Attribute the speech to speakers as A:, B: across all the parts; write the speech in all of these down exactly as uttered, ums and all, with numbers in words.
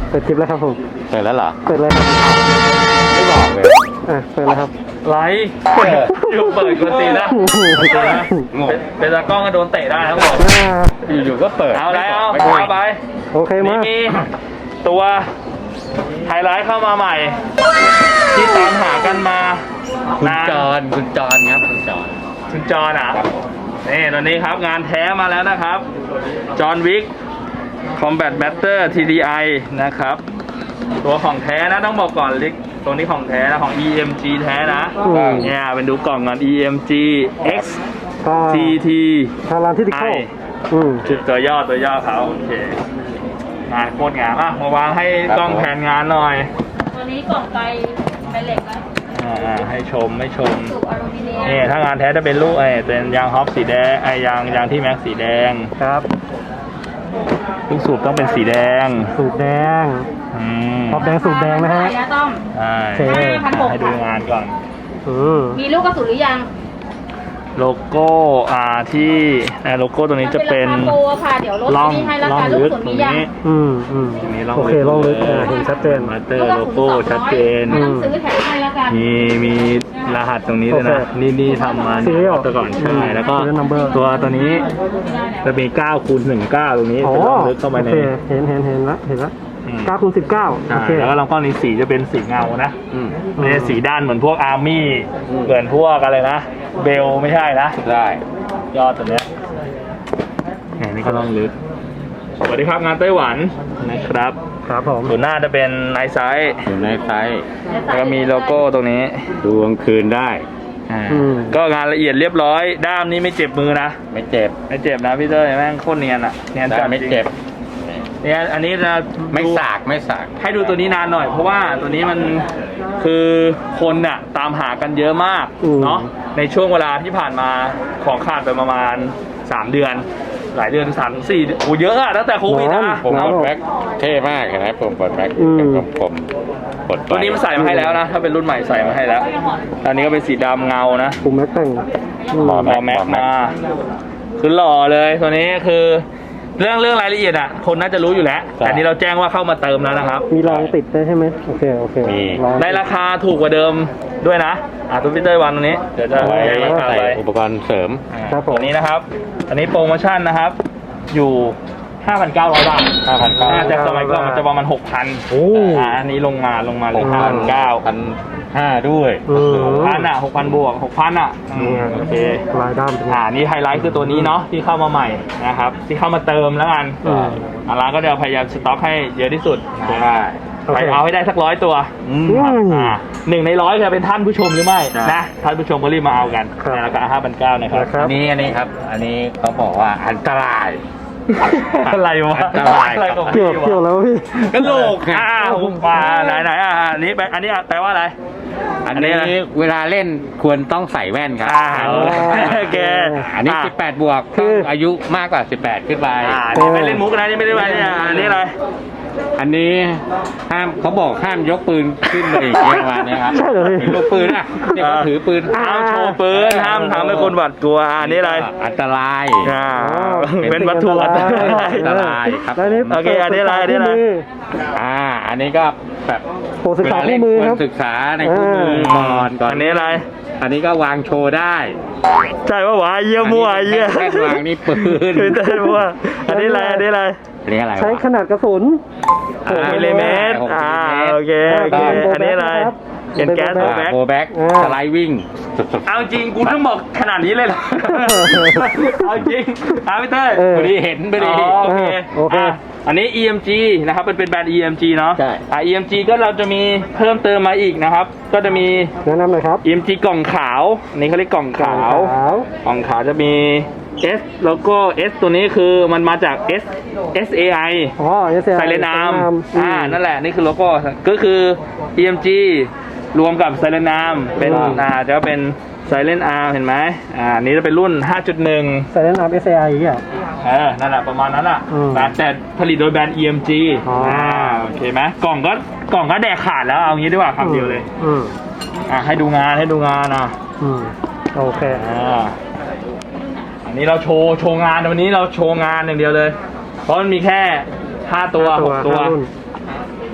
A: เปิดคลิปแล้วครับผม
B: เปิดแล้วเหรอ
A: เปิดเลยครับ
B: ไม่บอกเลย
A: อ่ะเปิดแล้วครับ
C: ไลฟ์อยู่เปิดกวนตีนนะ
B: งง
C: เป็นเป็นตากล้องก็โดนเตะได้ครับผม
A: อ่า
B: อยู่ๆก็เปิด
C: เอาแล้ว
B: ไม่บอก
C: เอาไป
A: โอเค
C: นี่
A: มา
C: มีตัวไฮไลท์เข้ามาใหม่ ที่ตามหากันมา
B: คุณ
C: นาน
B: จอนคุณจอนครับคุณจอน
C: คุณจอห์นอ่ะนี่ตอนนี้ครับงานแท้มาแล้วนะครับจอห์นวิก Combat Master ที ดี ไอ นะครับ ตัวของแท้นะต้องบอกก่อนลิกตัวนี้ของแท้นะของ อี เอ็ม จี แท้นะ
A: อืม
C: เนี่ยเป็นดูกล่องกัน อี เอ็ม จี X
A: ก็
C: ที ที
A: ทางร้านที่ติโก้
C: ไอ
A: อืม
C: คือตัวย่อตัวย่อเขาโอเคงานโคตรงามอ่ะมาวางให้กล้องแผนงานหน่อย
D: ตัวนี้กล่องไกเป็นเหล็กไหม
C: อ่าๆให้ชมให้ชม
D: สูบอลูมิเนียม
C: นี่ถ้างานแท้จะเป็นลูกไอ้เป็นยางฮอปสีแดงไอ้ยางยางที่แม็กสีแดง
A: ครับ
C: ลูกสูบต้องเป็นสีแดง
A: สูตรแดง
C: อืม
A: ท็อปแดงสูตรแดงนะฮะ
D: ยาต้อม
C: ใช่
A: โอเค
C: ให้ดูงานก่อน
A: อืม
D: มีลูกกระสุนหรือยัง
C: โลโก้อ่าที่อ่าโลโก้ตัวนี้จะเป็น
D: มัราคาโปรค่ะ เดี๋ยวลด
C: ล่อง
D: ที่ให้รา
C: ล่อง
D: คาลูก
C: ลึ
D: ก
C: ก
D: ระสุน
C: ตร
D: มี
C: ง
D: ยัง
C: นี้
A: อืมอืม
C: ตรงนี้ล่อง
A: โอเค
C: ลึก
A: ลองลึก
C: เลย
A: อ่าเห็นชัดเจน
C: มาสเตอร์โลโก้ชัดเจน
D: ไม่ต้องซื้อแถมให้แล้วกัน
C: มีมีรหัสตรงนี้เลยนะ
A: โอเค
C: นี่นี่ทำมา
A: Serial
C: ตัวก่อนใช่
A: อืม
C: แล้วก็
A: Serial number
C: ตัวตัวนี้จะมีเก้าคูณหนึ่งเก้าตรงนี้
A: อ๋อ
C: เป็นล่องลึกเข้าไป
A: โอ
C: ใน
A: เคเห็นเห็นเห็นละเห็นละ
C: อืม
A: เก้าคูณสิบเก้าโอ
C: ใช่
A: เค
C: แล้วก็ลำกล้องนี้สีจะเป็นสีเงานะ
B: อืม
C: ไม่ใช่สีด้านเหมือนพวกอาร์มี่
B: อืม
C: เหมือนพวกอะไรนะ เบลไม่ใช่นะ
B: ได้
C: ยอดตัวเนี้ยแหมนี่ก็ต้องลึก สวัสดีครับงานไต้หวันนะครับ
A: ครับผม
C: ส่วนหน้าจะเป็นไนท์ไซส์
B: อยู่ในไซส์
C: แล้วก็มีโลโก้ตรงนี้
B: ดูกลางคืนได้
C: อ่า
A: อืม
C: ก็งานละเอียดเรียบร้อย ด้ามนี้ไม่เจ็บมือนะ
B: ไม่เจ็บ
C: ไม่เจ็บนะพี่เต้ยแม่งโคตรเนียนอ่ะเนียน
B: ได้
C: จัด
B: ไม่
C: จริง
B: เจ็บ
C: เนี่ยอันนี้จะ
B: ไม่
C: ดู
B: สากไม่สาก
C: ให้ดูตัวนี้นานหน่อย เพราะว่าตัวนี้มันคือคนน่ะตามหากันเยอะมาก
A: อืม
C: เนาะในช่วงเวลาที่ผ่านมาของขาดไปประมาณสามเดือน หลายเดือนสามถึงสี่โอ้เยอะอะตั้งแต่โควิดนะ
B: ผม
A: ครั
B: ก
A: บ
B: ดแบ็คเท่มากเห็นไหมผมกดแบ็ค
A: อืม
B: เป็นกลมๆกดไป
C: ตัวนี้มันใส่มาให้แล้วนะ ถ้าเป็นรุ่นใหม่ใส่มาให้แล้วอันนี้ก็เป็นสีดำเงานะ
A: ปุ่มแม็กแต่งอืม
B: หมอ
C: พอแม็กมาคือหล่อเลยตัวนี้คือเรื่องเรื่องรายละเอียดอ่ะคนน่าจะรู้อยู่แล้ว แต่นี่เราแจ้งว่าเข้ามาเติมแล้วนะครับ
A: มีรางติดได้ใช่ไหมโอเคโอเคราง
C: ในราคาถูกกว่าเดิมด้วยนะอ่ะตัวพิเตอร์วันตรงนี้เดี๋ยวจะ
B: เอาไว้
C: แจ้งราคา
B: ใส่
C: ไป
B: อุปกรณ์เสริม
C: อ่า
A: ครับผม
C: ตัวนี้นะครับ อันนี้โปรโมชั่นนะครับ อยู่ ห้าพันเก้าร้อย บาท
B: ห้าพันเก้า
C: อ่าจากสมัยก่อนมันจะประมาณ หกพัน
A: โอ้
C: อ่าอันนี้ลงมาลงมาเล
B: ห
C: ย
B: ก
C: ห้า
B: พั
C: พั
B: น
C: นเก้า
B: พันห้าด้วย
A: อืม
C: หกพันอ่ะหกพันบวกหกพันอ่ะอืมโอเค
A: ลายด้ามเป็นไง
C: อ่านี่ไฮไลท์คือตัวนี้เนาะที่เข้ามาใหม่นะครับที่เข้ามาเติมแล้วกัน
A: อืม
C: อ่าร้านก็จะพยายามสต็อกให้เยอะที่สุด
B: ใช่
A: โอเค
C: ไปเอาให้ได้สักร้อยตัว
B: อืม
A: อืม
C: อ่าหนึ่งในร้อยจะเป็นท่านผู้ชมหรือไม่
B: ใช่
C: นะท่านผู้ชมก็รีบมาเอากัน
A: ครับ
C: ในราคาห้าพันเก้านะครับ
A: ครับ
B: อันนี้อันนี้ครับ อันนี้เขาบอกว่าอันตราย
C: อะไรวะ
B: อันตราย
C: อะไรของ
A: เกี่
C: พี่
A: ยวเกี่ยว
C: วะ
A: แล้วพี่
B: กระโหลกไง
C: อ้าวมาไหนไหนอ่าอันนี้แปลอันนี้แปลว่าอะไร
B: อัน
C: อันนี้
B: นี้
C: อะไร
B: เวลาเล่นควรต้องใส่แว่นครับ
C: อ่า
A: อ๋อ
C: โอเค
B: อันนี้
C: า
B: สิบแปดบวก
A: คือ
B: ต้องอายุมากกว่าสิบแปดขึ้นไป
C: อ่านี่ไม่เล่นมุกนะนี่ไม่ได้ไปเนี่ยอันนี้อะไร
B: อันนี้ห้ามเขาบอกห้ามยกปืนขึ้นเลยอย่างเงี้ยประมาณเนี้ยครับ
A: ใช่เหรอพี่
B: ถือลูกปืนอ่ะเนี่ยเขาถือปืน
C: ห้ามโชว์ปืนห้ามทำให้คนหวาดกลัวอันนี้อะไร
B: อันตราย
C: อ่า
A: อ๋อ
C: เป็นวัตถุอันตราย
B: อันตรายครับ
A: แล้วนี่
C: โอเคอันนี้อะไรอันนี้อะไร
A: มื
B: อ่า อันนี้ก็แบบ
A: โปรศึกษาคู่มือ
B: เว
A: ค
B: ลา
A: รับ
B: เล่นควรศึกษาในคู่มือก่อนก่อน
C: อันนี้อะไร
B: อันนี้ก็วางโชว์ได้
C: ใช่ว่าหวาเยี่ยมั่วเยี่ย
B: แค่วางนี่ปืน
C: คือเต้นมั่วอันนี้อะไรอันนี้อะไร
B: อันนี้อะไร
A: ใช้
B: วะ
A: ขนาดกระสุน
C: หกมิลลิเมตร
B: หกมิลลิ
C: อ่า
B: เมตร
C: โอเคโอเค
A: เป็นโบแบ็ค
C: อันนี้อะไร
A: นะครับ
C: เป็นแก๊ส
A: เป็น
C: โบ
A: โบแบ็
C: แบ็
A: ค
C: ค
B: โบแบ็ก
A: อ่า
B: สไลด์วิ่งสุดๆ
C: เอาจริงกูต้องบอกขนาดนี้เลยเหรอ เอาจริงอาพี่เต้ย
A: เออ
B: พอดีเห็นพอดี
C: อ๋อโอเค
A: โอเค
C: อ่ะอันนี้ อี เอ็ม จี นะครับเป็นเป็นแบรนด์ อี เอ็ม จี เนาะ
B: ใช่
C: อ่ะ อี เอ็ม จี ก็เราจะมีเพิ่มเติมมาอีกนะครับ ก็จะมี
A: แนะนำหน่อยครับ
C: อี เอ็ม จี กล่องขาวอันนี้เขาเรียกกล่องขาว
A: ขาว
C: กล่องขาวจะมี S โลโก้ S ตัวนี้คือมันมาจาก S S A I
A: อ๋อเอสเอ
C: ไซเลนอาร์มอ่า นั่นแหละ นี่คือโลโก้ ก็คือ อี เอ็ม จี รวมกับไซเลนอาร์มเป็น อ่า จะเป็นไซเลนอาร์มเห็นไหมอ่า นี่จะเป็นรุ่น ห้าจุดหนึ่ง
A: ไซเลนอาร์มเอสเอไออย่างเงี้ย
C: เออ นั่นแหละประมาณนั้นอ่ะ
A: อืม
C: แต่แต่ผลิตโดยแบรนด์ อี เอ็ม จี
A: อ๋ออ่
C: อ่า โอเคไหมกล่องก็ กล่องก็แดกขาดแล้ว เอางี้ดีกว่าคำเดียวเลย
A: อืม
C: อ่า ให้ดูงาน ให้ดูงานอ่ะ
A: อืมโอเค
C: อ่า อันนี้เราโชว์ โชว์งานวันนี้เราโชว์งานอย่างเดียวเลย เพราะมันมีแค่ห้าตัวหกตัว
A: ห้ารุ่น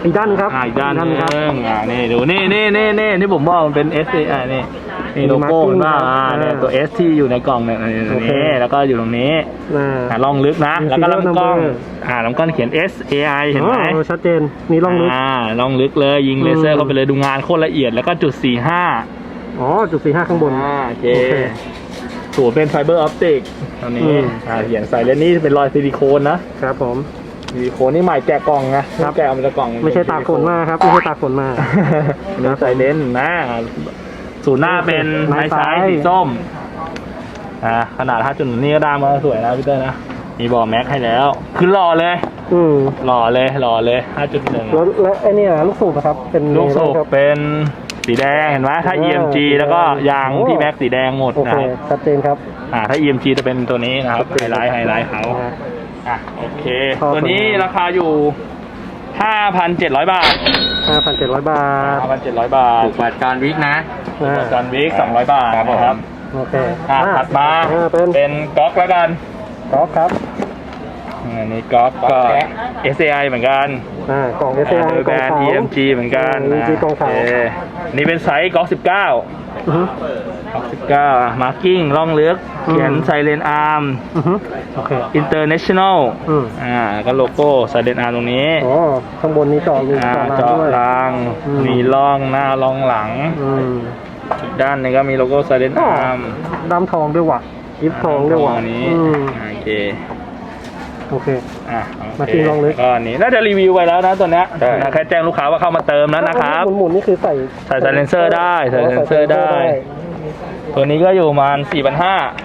A: อีกด้านครับ
C: อ่าอีกด้านหนึ
A: ครับ
C: งอ่านี่ดูนี่นี่นี่นี่ที่ผมบอกมันเป็น S อ่านี่นี่โลโก้มันว่าอ่าเนี่ยตัว S ที่อยู่ในกล่องเนี่ยตรงนี้แล้วก็อยู่ตรงนี้
A: อ่า
C: อ่าล่องลึกนะ
A: มี
C: แล้วก็ลำกล้อง
A: serial number
C: อ่าลำกล้องเขียน S A I เห็นไหม
A: อ๋อชัดเจนนี่ล่องลึก
C: อ่าล่องลึกเลยยิงเลเซอ
A: อื
C: ร์
A: ม
C: เข้าไปเลยดูงานโคตรละเอียดแล้วก็จุดสี่ห้า
A: อ๋อจุดสี่ห้าข้างบน
C: อ่าโอเค
A: โอเค
C: ถูเป็นไฟเบอร์ออปติกตรง
A: อื
C: นี้
A: ม
C: อ่าเขียนใส่เลนนี่เป็นรอยซิลิโคนนะครับ
A: ผม
C: ซิลิโคนนี่ใหม่แกะกล่องนะครับ แกะออกมาจากกล่อง
A: ไม่ใช่ตากฝนมาครับไม่ใช่ตากฝนมา
C: เนื้อใส่เลนส์นะศูนย์หน้าเป็น
A: ไม้
C: ไม้ซ้าย
A: ซ้าย
C: สีส้มอ่าขนาดห้าจุดนี่ก็ได้มาสวยนะพี่เต้ยนะมีบอแม็กให้แล้วคือหล่อเลย
A: อืม
C: หล่อเลยหล่อเลยห้าจุดหนึ่ง
A: แล้วแล้วไอ้เนี่ยลูกสูบนะครับ เป็น
C: ลูกสูบ
A: ครับ
C: เป็นสีแดงเห็นไหมถ้า
A: อ่า
C: อี เอ็ม จี
A: สีแดง
C: แล้วก็ยาง
A: โอ้
C: พี่แม็กสีแดงหมด
A: โอ
C: นะ
A: เค
C: ครับ
A: ชัดเจนครับ
C: อ่าถ้า อี เอ็ม จี จะเป็นตัวนี้นะครับไฮไลท์ไฮไลท์เขา
A: นะฮะ
C: อ่ะโอเค
A: พอ
C: ตัวนี้
A: สวยงาม
C: ราคาอยู่ ห้าพันเจ็ดร้อย บาท
A: ห้าพันเจ็ดร้อยบาท
C: ห้าพันเจ็ดร้อย บาท
B: ถูกกว่าจอห์นวิกนะ
A: อ่า
C: จอห์นวิกสองร้อย บาท
B: ครับผม
C: นะครับ
A: โอเค
C: อ่ะถัดมา
A: อ่าเป็น
C: เป็นก๊อกแล้วกัน
A: กอล์ฟครับ
C: อันนี้ก๊อกก็ เอส เอ ไอ เหมือนกัน
A: อ่ากล่อง เอส เอ ไอ
C: โดย
A: ก
C: แบ
A: ล่
C: ร
A: อง
C: นด์
A: ขาว
C: อี เอ็ม จี เหมือนกัน
A: อ่า อี เอ็ม จี กล่องขาว
C: โเคนี่เป็นไซส์ก๊อกสิบเก้า
A: อือฮึ
C: ก๊อกสิบเก้ามาร์กิ้งล่องลึก
A: อืม
C: เขียนไซเรนอาร์ม
A: อือฮึโอเค
C: International
A: อืม
C: อ่าก็โลโก้ไซเรนอาร์ตรงนี้
A: อ๋อข้างบนนี้เจาะรู
C: อ่า
A: เจาะราง
C: เจาะ
A: ด้วย
C: ราง
A: อืม
C: มีร่องหน้าร่องหลัง
A: อืม
C: อีกด้านหนึงก็มีโลโก้ไซเรน
A: อ๋อ
C: อาร์ม
A: ดำทองด้วยว่ะยิบทองด้วยว่ะ
C: อันนี้
A: อืม
C: โอเค
A: โอเค
C: อ่ะ
A: มาทิ้งลองลึก
C: ก็อันนี้น่าจะรีวิวไปแล้วนะตัวเนี้ย
B: ใช่
C: แค่แจ้งลูกค้าว่าเข้ามาเติมแล้วนะครับ
A: หมุนๆนี่คือใส่
C: ใส่ไซเลนเซอร์ได้ใส่ไซเลนเซอร์ได้ ตัวนี้ก็อยู่ประมาณ สี่พันห้าร้อย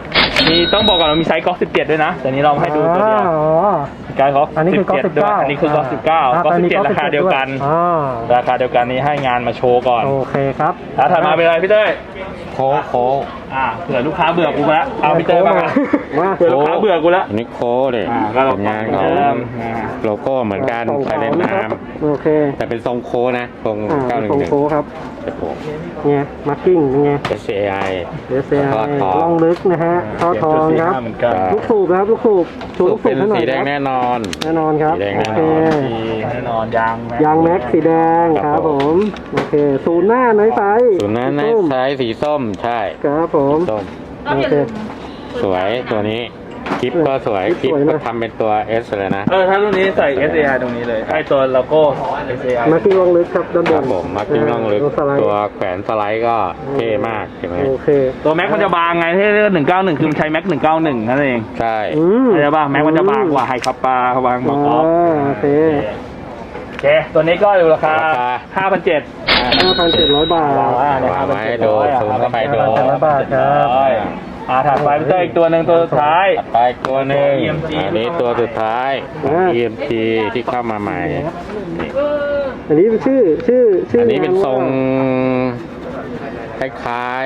C: มีต้องบอกก่อนว่ามีไซส์ก๊อกสิบเจ็ดด้วยนะแต่นี้เราให้ดูตัวเดียว
A: อ๋อ
C: มีการก๊อก
A: อันนี้คือก๊อก
C: สิ
A: สิ
C: บบ เจ็ดด้วย
A: เก้า
C: อันนี้คือก๊อกสิบเก้าก๊อกสิบเจ็ดราคาเดียวกัน
A: อ๋อ
C: ราคาเดียวกันนี้ให้งานมาโชว์ก่อน
A: โอเคครับ
C: แล้วถัดมาเป็นอะไรพี่เต้ย
B: โค้กโค้ก
C: อ่าเผื่อลูกค้าเบื่อกูแล้วเอาพี่เต้ยมา
A: มา
C: เผื่อลูกค้าเบื่อกูแล้ว
B: อันนี้โค้กเลย
C: อ่าก็เรา
B: ผลงานเขา
C: เดิมอ่า
B: โลโก้เหมือนกัน
A: กล่อง
B: ไซ
A: ขาว
B: เลน
A: นะค
B: อา
A: รั
B: ร์
A: บ
B: ม
A: โอเค
B: แต่เป็นทรงโค้กนะทรง
A: อ่า
B: เก้าหนึ่ง
A: ทรง
B: หนึ่ง
A: โค้งครับ
B: ครับผม
A: เนี่ยมาร์กิ้งเป็นไง
B: เอส เอ ไอ
A: เอสเอ
B: ทอดทอง
A: ล่องลึกนะฮะท่อทองครับ
C: เหมือนกัน
A: ลูกสูบครับลูกสูบชูลูกสู
B: เป็
A: บ
B: น
A: ให้หน่อย
B: สีแดง
A: ครับ
B: แน่นอน
A: แน่นอนครับ
B: สีแดง
A: โอ
B: แน่น
A: เค
B: อน
C: แน่นอนยาง
A: ยางแม็กสีแดงครับผมโอเคศูนย์หน้าน้อยไซส์
B: ส่วนนั้นใน
A: ส้ม
B: ไซส์สีส้มใช่
A: ครับผม
B: ส้ม
D: ก็อย่า
A: โอเค
D: ลืม
B: สวยตัวนี้คลิปก็สวย
A: ค
B: ค
A: ลิ
B: ลิ
A: ป
B: ป
A: สวยนะ
B: ก็ทำเป็นตัว S เลยนะ
C: เออถ้ารุ่นนี้ใส่ เอส เอ ไอ ตรงนี้เลยไอตัวโลโก้ เอส เอ ไอ
A: มาร์กิ้งล่องลึกครับด้านบ
B: ครั
A: น
B: บผมมากิ้งล่องลึก
A: สไลด์
B: ตัวแขวนสไลด์ก็เท่มากเห็นไหม
A: โอเค
C: ตัวแม็กมันจะบางไงที่เรียกหนึ่งเก้าหนึ่งคือมันใช้แม็กหนึ่งเก้าหนึ่งนั่นเอง
B: ใช่
A: อืม
C: เข้าใจป่ะแม็กมันจะบางกว่าไฮคัปปาบางกว่า
A: อ๋อ
C: ออฟ
A: โอเค
C: โอเค ตัวนี้ก็อยู่ราคา ห้าพันเจ็ด
A: ห้าพันเจ็ดร้อยบาท
C: วางไว้นะ
B: วางไว้ดูซูมเข้าไปดู
A: ห้าพันเจ็ดร้อยบาทครับ
C: อ่าถัดไปพี่เต้ยอีกตัวหนึ่งตัวสุดท้าย
B: ไปตัวหนึ่ง
C: อี เอ็ม จี
B: อันนี้ตัวสุดท้ายของ
A: อ่า
B: อี เอ็ม จี ที่เข้ามาใหม่
A: อันนี้เป็นชื่อชื่อชื่อ
B: อั
A: อั
B: นนี้เป็นทรงคล้าย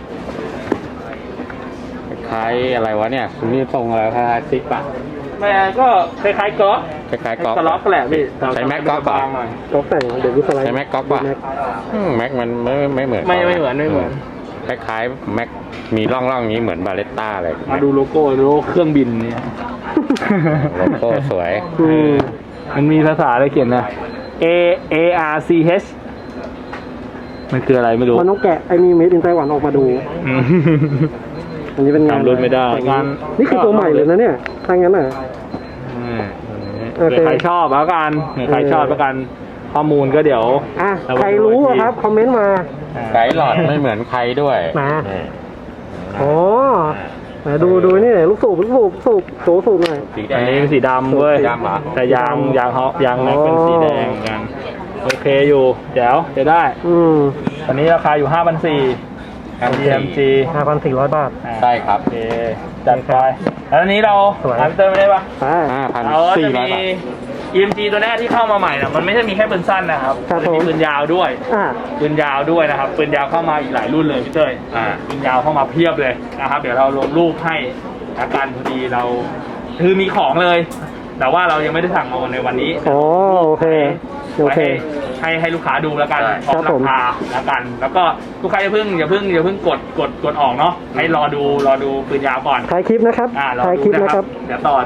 B: ๆคล้ายๆอะไรวะเนี่ยนี่ทรงอะไรคล้ายๆซิปอะ
C: แม่ก็คล้ายๆก๊อก
B: คล้ายๆก๊อก
C: กระล็อกแหละพี่
B: ใช้แม็กก๊อกเหรอ
C: บางหน่อย
A: ก๊อกแต่งเดี๋ยวดูสไลด์
B: ใช้แม็กก๊อกป่ะ
A: แม็ก
B: อืมแม็กมันไม่ไม่เหมือน
C: ไม่ไม่เหมือนไม่เหมือน
B: คล้ายๆแม็กมีร่องๆอย่างนี้เหมือนบาเลตต้าเลย
C: มาดูโลโก้โลโก้เครื่องบินเนี่ย
B: โลโก้สวย
A: อืม
C: มันมีภาษาอะไรเขียนนะ A A R C H มันคืออะไรไม่รู้
A: มันต้องแกะไอ้นี่เมดอินไต้หวันออกมาดู
C: อืม
A: อันนี้เป็นงาน
C: จำรุ่นไม่ได้
A: งานนี่คือตัวใหม่เลยนะเนี่ยถ้างั้นอ่ะ
C: อืม
A: โอเค
C: เผื่อใครชอบแล้วกันเผื่อใครชอบแล้วกัน ข้อมูลก็เดี๋ยว
A: อ่ะ
C: เอาไว้
A: ใครรู้อะครับ คอมเมนต์มา
B: ไกด์หลอดไม่เหมือนใครด้วย
A: มา
B: นี่
A: อ๋อมาดูดูนี่หน่อยลูกสูบลูกสูบสูบโถสูบหน่อย
B: สีแด
C: อัน
B: ง
C: นี้เป็นสีดำเว้ย
B: สีดำเหรอ
C: แต่ยางยางเขายางแม็ก
A: อ๋อ
C: เป็นสีแดงเหมือนกัน โอเคอยู่เดี๋ยวจะได้
A: อืม
C: อันนี้ราคาอยู่ ห้าพันสี่ร้อย ดี เอ็ม จี
A: ห้าพันสี่ร้อยบาท
B: ใช่ครับ
C: โอเคจัดไปแล้วอันนี้เรา
A: สวย
C: หาพี่เตอร์ไม่ได้ปะ
A: ไป
B: ห้าพัน
C: เราก็
B: สี่
C: จะ
B: ร้อ
C: มี
B: ยบาท
C: อี เอ็ม จี ตัวแรกที่เข้ามาใหม่นะมันไม่ใช่มีแค่ปืนสั้นนะครับ
A: ครับ
C: มันมี
A: ผม
C: ปืนยาวด้วย
A: อ่ะ
C: ปืนยาวด้วยนะครับปืนยาวเข้ามาอีกหลายรุ่นเลยพี่เต้ย
B: อ่า
C: ปืนยาวเข้ามาเพียบเลยนะครับ เดี๋ยวเราลงรูปให้อาการพอดีเราคือมีของเลย แต่ว่าเรายังไม่ได้สั่งมาในวันนี้
A: อ๋อโอเคโอ
C: ไว้
A: เค
C: ให้ให้ให้ลูกค้าดูแล้วกันพ
A: ครั
C: ร้อบ ม
A: ผม
C: ราคาแล้วกัน แล้วก็ลูกค้าอย่าเพิ่งอย่าเพิ่งอย่าเพิ่งกดกดกดออกเนาะให้รอดูรอดูปืนยาวก่อน
A: ถ่ายคลิปนะครับ
C: อ่ารอ
A: ถ่ายค
C: ดู
A: ลิป
C: นะ
A: นะ
C: ค
A: ค
C: รั
A: รั
C: บบ เดี๋ยวต่อจาก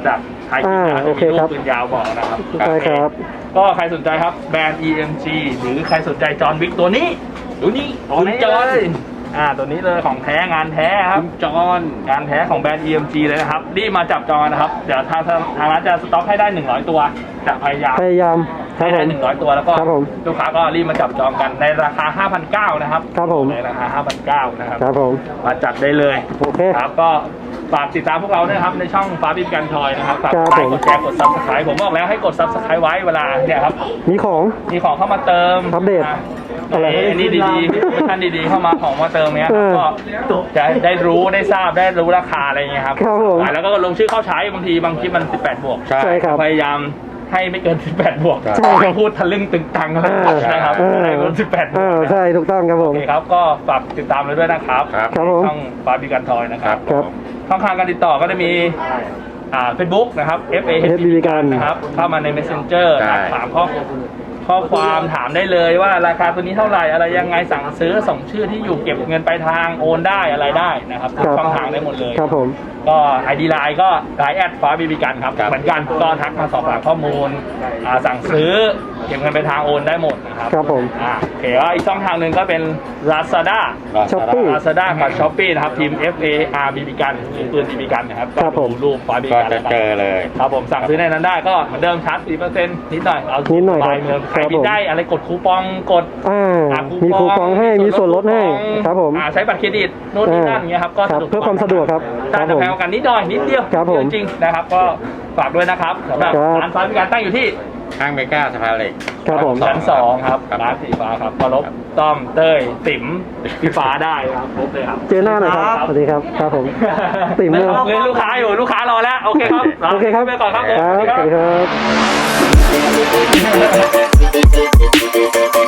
C: ใครกิน
A: อ่า
C: นะ
A: โอเค
C: มี
A: ค
C: รู
A: รั
C: ป
A: บ
C: ปืนยาวบอกนะครับ
A: ใช่ครับ
C: ก็ใครสนใจครับแบรนด์ อี เอ็ม จี หรือใครสนใจจอห์นวิกตัวนี้ดูนี่
B: ตัวนี้
C: คุณจอห์นอ่าตัวนี้เลยของแท้งานแท้ครับ
B: คุณจอน
C: งานแท้ของแบรนด์ อี เอ็ม จี เลยนะครับรีบมาจับจองนะครับเดี๋ยวทางทางร้านจะสต็อกให้ได้หนึ่งร้อยตัวจะพยายาม
A: พยายามครั
C: ให้
A: บผ
C: ได้
A: ม
C: หนึ่งร้อยตัวแล้วก็
A: ครับผม
C: ลูกค้าก็รีบมาจับจองกันในราคา ห้าพันเก้าร้อย นะครับ
A: ครับผม
C: ในราคา ห้าพันเก้าร้อย นะครับ
A: ครับผม
C: มาจัดได้เลย
A: โอเค
C: ครับก็ฝากติดตามพวกเราด้วยนะครับในช่องฟ้าบินกันทอยนะครับฝาก
A: ครับ
C: กดไลค์
A: ผม
C: กดแชร์กดซับสไครต์ผมบอกแล้วให้กดซับสไครต์ไว้เวลาเนี่ยครับ
A: มีของ
C: มีของเข้ามาเติม
A: อัปเดต
C: ะ
A: อะไร
C: อันนี้ดีๆท่านดีๆเข้ามาของมาเติมเนี้ย
A: เออ
C: ก็จะได้รู้ได้ทราบได้รู้ราคาอะไรอย่างเงี้ยครับ
A: ครับผม
C: แล้วก็ลงชื่อเข้าใช้บางทีบางคลิปมันสิบแปดบวก
B: ใช่
A: ใช่ครับ
C: พยายามให้ไม่เกินสิบแปดบวก
B: ใช่
A: ครับ
C: พูดทะลึ่งตึงตังกัน
A: เออ
C: นะครับ
A: เออ
C: ให้เกินสิบแปดบว
A: เอก อใช่ถูกต้องครับผ
C: โอ
A: ม
C: เคครับก็ฝากติดตามเลยด้วยนะครับ
B: ครับ
A: ครับผม
C: ช่องฟ้าบินกันทอยนะค
B: ค
C: รั
B: รั
C: บบ
A: ครับ
C: ช่องทางการติดต่อก็จะมีอ่าเฟซบุ๊กนะครับ เอฟ เอ
A: เอฟ บี บี กัน
C: นะครับเข้ามาใน Messenger
B: ใช่
C: ถามข้อข้อความถามได้เลยว่าราคาตัวนี้เท่าไหร่อะไรยังไงสั่งซื้อส่งชื่อที่อยู่เก็บเงินปลายทางโอนได้อะไรได้นะครับทุก
A: ครับ
C: ช่องทางได้หมดเลย
A: ครับผม
C: ก็ไอดีไลน์ก็ไลน์แอดฟ้าบีบีกันครับ
B: ครับ
C: เหมือนกันก็ทักมาสอบถามข้อมูลอ่าสั่งซื้อเก็บเงินปลายทางโอนได้หมดนะครับ
A: ครับผม
C: อ่าโอเคว่าอีกช่องทางหนึ่งก็เป็น Lazada
A: Shopee
C: Lazada กับ Shopee นะครับทีม F A R บีบีกันหรือปืนบีบีกันนะครับ
A: ครับผม
C: ก็ดูรูปฟ้าบีบี
B: ก็
C: กัน
B: จะเจอเลย
C: ครับผมสั่งซื้อในนั้นได้ก็เหมือนเดิมชาร์จ สี่เปอร์เซ็นต์ นิดหน่อยเอา
A: นิดหน่อยครับ
C: ปลายเมืองใคร
A: ครับ
C: มี
A: ผม
C: ได้อะไรกดคูปองกด
A: อ่า
C: อ่า
A: มีคูปองให้มีส่วนลดให้
C: คูปอง
A: ครับผม
C: อ่าใช้บัตรเครดิตโน่นนี่นั่นอย่างเงี้ยครับก็
A: ครับ
C: สะดวก
A: เพื่อความสะดวกครับ
C: ใช่
A: ครับ
C: แต่
A: ผม
C: แพงกว่ากันนิดหน่อยนิดเดียว
A: ครับผม
C: จริงๆนะครับก็ฝากด้วยนะครับสำหรับ
A: ครับ
C: ร้านฟ้าบีบีกันตั้งอยู่ที่
B: ข้างเมกาสะพานเหล็ก
A: ครับผม
C: ชั้นสองครับ
B: ครับ
C: ร้านสีฟ้าครับเคารพต้อมเต้ยติ๋มพี่ฟ้าได้ครับครบเลยครับ
A: เจอหน้าหน่อยครับ สวัสดีครับ ครับผม ติ๋มเลย
C: เรียนลูกค้าอยู่ลูกค้ารอแล้วโอเคครับ
A: โอเคครับ
C: ไปก่อนครับผม
A: ครับ
C: สวัสดี
A: สวัสดีครับ